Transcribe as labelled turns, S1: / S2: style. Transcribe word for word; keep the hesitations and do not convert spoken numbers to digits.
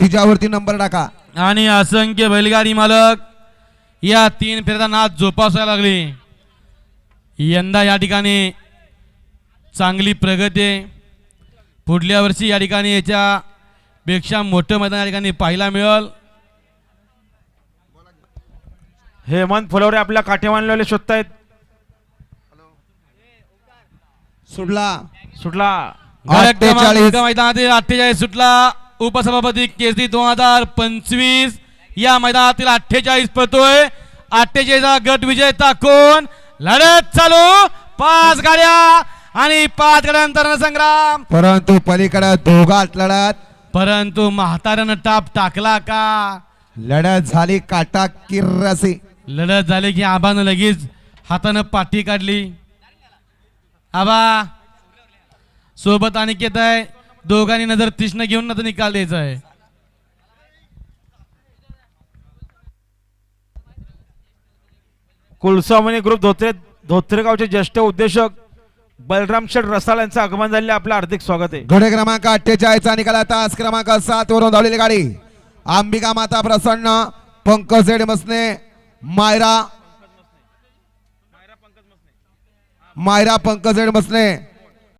S1: तिच्यावरती number टाका.
S2: आणि असंख्य बैलगाडी मालक या तीन फेऱ्याचा नाद जोपासायला लागले. यंदा या ठिकाणी चांगली प्रगती आहे. पुढल्या वर्षी या ठिकाणी याच्या पेक्षा मोठं मैदान या ठिकाणी पाहायला मिळेल.
S3: हेमंत फुलवरे आपल्या काठेवानलेले शोधतायत.
S1: सुटला
S3: सुटला
S1: अठ्ठेचाळीस
S2: मैदानातील अठ्ठेचाळीस सुटला. उपसभापती केसरी दोन हजार पंचवीस या मैदानातील अठ्ठेचाळीस पळतोय. अठ्ठेचाळीस गट विजेता कोण? लढत चालू. पाच गाड्या आणि पाच गाड्यांतर संग्राम.
S1: परंतु पलीकडे दोघात लढत.
S2: परंतु म्हाताऱ्यानं टाप टाकला का?
S1: लढत झाली काटा किर्रसी.
S2: लढत झाली की आबानं लगेच हातानं पाठी काढली. आबा सोबत अनिकेत आहे. दोघांनी नजर तीक्ष्ण घेऊन नंतर निकाल द्यायचा आहे.
S3: कुलस्वामिनी ग्रुप धोत्रे धोत्रेगावचे ज्येष्ठ उद्योजक बलराम शेठ रसाळ यांचं आगमन झाले. आपलं हार्दिक स्वागत आहे.
S1: घोडे क्रमांक अठ्ठेचाळीस चा निकाल तास क्रमांक सात वरून धावलेली गाडी अंबिका माता प्रसन्न, पंकज मसने, मायरा मायरा पंकज मसने